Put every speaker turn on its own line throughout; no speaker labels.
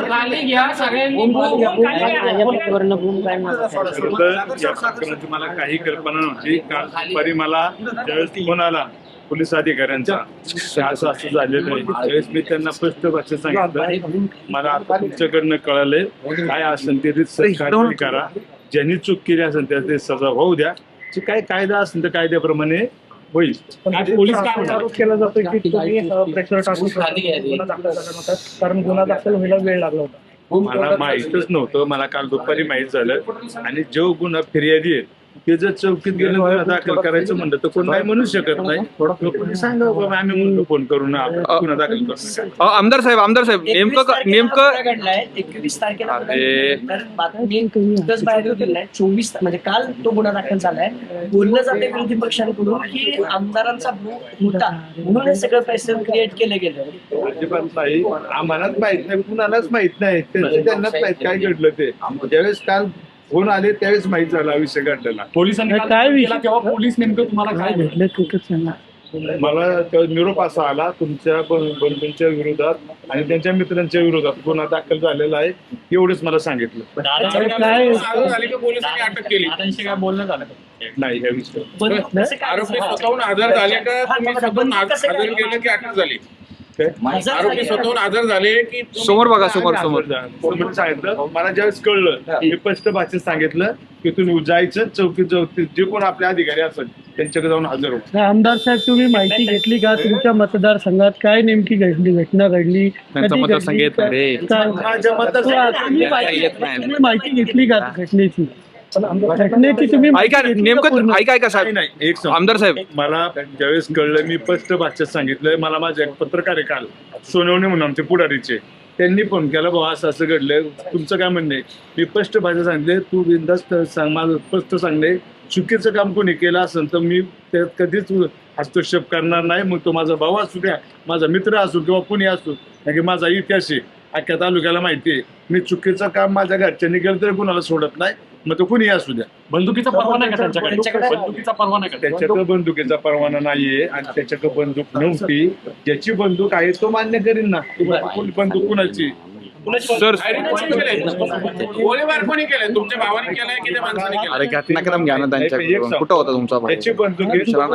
मला काही कल्पना नव्हती. काल दुपारी मला ज्यावेळेस फोन आला पोलीस अधिकाऱ्यांचा असं झालेलं आहे, त्यावेळेस मी त्यांना स्पष्ट भाषेत सांगितलं मला आता तुमच्याकडनं कळालंय काय असेल ते कारवाई करा, ज्यांनी चूक केली असेल त्याचे सजा होऊ द्या, काय कायदा असेल तर कायद्याप्रमाणे होईल.
पोलीस काय आरोप केला जातोय की तुम्ही प्रेशर टाकून कारण गुन्हा दाखल व्हायला वेळ लागला होता.
मला माहीतच नव्हतं. मला काल दुपारी माहीत झालं आणि जो गुन्हा फिर्यादी आहे ते जर चौकीत गेलं गुन्हा दाखल करायचं म्हणलं तर कोण नाही म्हणू शकत नाही. कोणी सांगा बाबा आम्ही म्हणतो फोन करून गुन्हा दाखल करतो.
आमदार साहेब नेमकं
21 तारखेला बाहेर दिलाय. 24 म्हणजे काल तो गुन्हा दाखल झालाय. बोललं जाते विरोधी पक्षांकडून की आमदारांचा होता म्हणून हे सगळं पैसे क्रिएट केलं गेलं.
अजिबात नाही, आम्हालाच माहित नाही, कुणालाच माहित नाही, त्यांनाच माहित काय घडलं ते. ज्यावेळेस काल फोन आले त्यावेळेस माहित झाला विषय घडलेला.
पोलिसांनी काय तेव्हा पोलीस नेमकं तुम्हाला काय भेटलं?
मला निरोप असा आला तुमच्या बंधूंच्या विरोधात आणि त्यांच्या मित्रांच्या विरोधात गुन्हा दाखल झालेला आहे, एवढंच मला सांगितलं.
पोलिसांनी अटक केली काय बोलणं झालं
नाही या विषयावर.
आरोपी स्वतःहून आधार झाले का तुम्ही स्वतःहून आधार केलं की अटक झाली? आरोपी स्वतःहून आधार झाले की
समोर बघा समोर
सांगितलं. मला ज्यावेळेस कळलं मी स्पष्ट भाषेत सांगितलं की तुम्ही जायचं चौकीत जे कोण आपले अधिकारी असेल त्यांच्याकडे जाऊन हजर हो.
आमदार साहेब तुम्ही माहिती घेतली का तुमच्या मतदारसंघात काय नेमकी घटना घडली? माहिती घेतली का घटनेची? तुम्ही
ऐका साहेब
नाही एक
आमदार साहेब
मला ज्यावेळेस कळलं मी स्पष्ट भाषेत सांगितलं. मला माझे एक पत्रकार आहे काल सोनवणे म्हणून आमचे पुढारीचे, त्यांनी फोन केला बाबा असं असं घडलंय तुमचं काय म्हणणं आहे. मी स्पष्ट भाषेत सांगितले तू बिनधास्त सांग, माझं स्पष्ट सांगणे चुकीचं काम कोणी केलं असेल तर मी त्यात कधीच हस्तक्षेप करणार नाही. मग तो माझा भाऊ असू द्या, माझा मित्र असू किंवा कोणी असू, कारण की माझा इतिहास आहे अख्ख्या तालुक्याला माहिती आहे. मी चुकीचं काम माझ्या घरच्यांनी केलं तरी कुणाला सोडत नाही, मग तो कुणी असू द्या.
बंदुकीचा परवाना का त्यांच्याकडे? बंदुकीचा परवाना का?
त्याच्याकडे बंदुकीचा परवाना नाहीये आणि त्याच्याकडे बंदूक नव्हती. ज्याची बंदूक आहे तो मान्य करीन ना. बंदूक कुणाची?
सर
गोळीबार कोणी केलाय? तुमच्या भावाने केलाय की त्या माणसाने केलाय?
अरे घटनाक्रम घ्या ना त्यांच्याकडून. कुठं होता तुमचा भाऊ?
त्याची बंदूक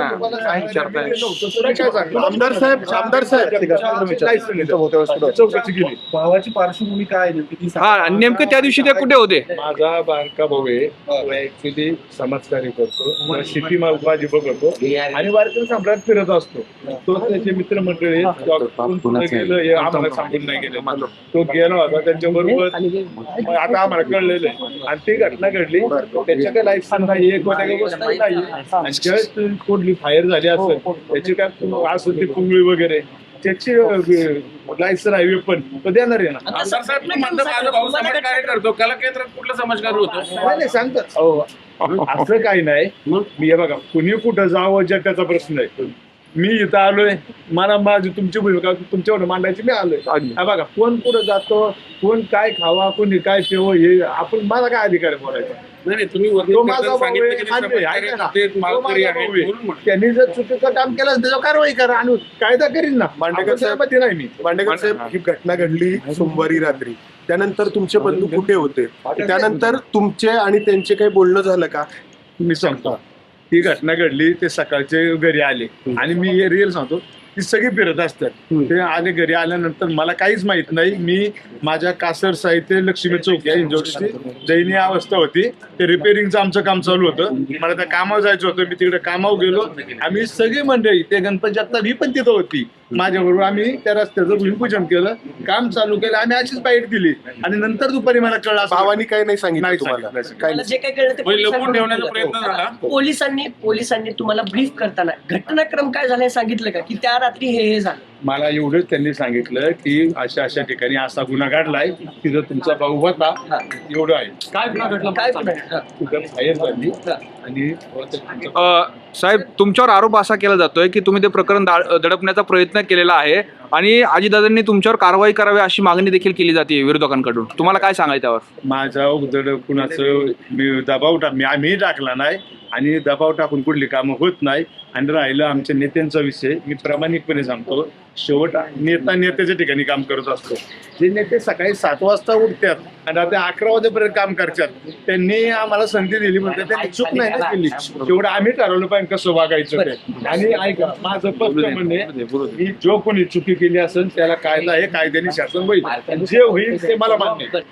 आमदार साहेब
चौकशी केली.
भावाची पार्श्वभूमी काय आहे?
हा नेमकं त्या दिवशी ते कुठे होते?
माझा बारका भाऊ आहे, ऍक्च्युली समाजकार्य करतो, शेती माझी बघतो आणि वारकरी सम्राट फिरत असतो. तो त्याचे मित्रमंडळी गेलं आम्हाला सांगून नाही गेले, तो गेला होता त्यांच्याबरोबर. आता आम्हाला कळलेलं आहे आणि ती घटना घडली. त्याच्या काही लाईफ नाही, एक गोष्ट नाही. ज्यावेळेस कुठली फायर झाली असेल त्याची काय असं ती पुंगळी वगैरे त्याची लायसन आहे पण तो देणार आहे ना.
आमदार साहेब मी म्हणतो माझा भाऊ समाजकार्य करतो, कला केंद्रात कुठलं समाजकार्य होतं?
नाही सांगतात असं काही नाही. मी हे बघा कुणी कुठं जावं जगाचा प्रश्न आहे. मी इथं आलोय, मला माझी तुमची भूमिका तुमच्यावर मांडायची, मी आलोय. हा बघा कोण कुठं जातो, कोण काय खावा, कोणी काय ठेव, हे आपण माझा काय अधिकार आहे बोलायचा?
नाही तुम्ही
त्यांनी जर चुकीचं काम केलं त्याच्यावर कारवाई करा आणि कायदा करीन ना.
मांडेकर साहेब
नाही मी
मांडेकर साहेब ही घटना घडली सोमवारी रात्री. त्यानंतर तुमचे बंधू कुठे होते? त्यानंतर तुमचे आणि त्यांचे काही बोलणं झालं का?
मी सांगतो ही घटना घडली, ते सकाळचे घरी आले आणि मी हे रिअल सांगतो ती सगळी फिरत असतात. ते आले घरी आल्यानंतर मला काहीच माहित नाही. मी माझ्या कासर साहित्य लक्ष्मी चौक या इंजोरची दयनीय अवस्था होती. ते रिपेअरिंगचं आमचं काम चालू होतं. मला त्या कामावर जायचं होतं. मी तिकडे कामावर गेलो. आम्ही सगळी मंडळी ते गणपती जगताप ही पण तिथं होती माझ्याबरोबर. आम्ही त्या रस्त्याचं भूमिपूजन केलं, काम चालू केलं. आम्ही अशीच बाईट दिली आणि नंतर दुपारी मला कळलं
भावानी काही नाही सांगितलं तुम्हाला?
जे काही कळलं ते
लपून ठेवण्याचा प्रयत्न झाला.
पोलिसांनी तुम्हाला ब्रीफ करताना घटनाक्रम काय झालं सांगितलं का की त्या रात्री हे झालं?
मला एवढंच त्यांनी सांगितलं की अशा अशा ठिकाणी असा गुन्हा घडलाय तिथं तुमचा भाऊ होता, एवढं आहे.
काय गुन्हा घडला?
काय
फायर झाली आणि
साहेब तुमच्यावर आरोप असा केला जातोय की तुम्ही ते प्रकरण दडपण्याचा प्रयत्न केलेला आहे. आणि अजितदादांनी तुमच्यावर कारवाई करावी अशी मागणी देखील केली जाते विरोधकांकडून. तुम्हाला काय सांगायचं त्यावर?
माझा उदड कुणाचं दबाव आम्ही टाकला नाही आणि दबाव टाकून कुठली कामं होत नाही. आणि राहिलं आमच्या नेत्यांचा विषय, मी प्रामाणिकपणे सांगतो, शेवट नेत्याच्या ठिकाणी काम करत असतो. जे नेते सकाळी 7 वाजता उठतात आणि रात्री 11 वाजेपर्यंत काम करतात, त्यांनी आम्हाला संधी दिली म्हणतात, त्यांनी चूक नाही ना केली. शेवट आम्ही ठरवलं पाहिजे कसं वागायचं ते. आणि ऐका, माझं स्पष्ट म्हणणे, की जो कोणी चुकी केली असेल त्याला कायदा हे कायद्याने शासन होईल, जे होईल ते मला मान्य आहे.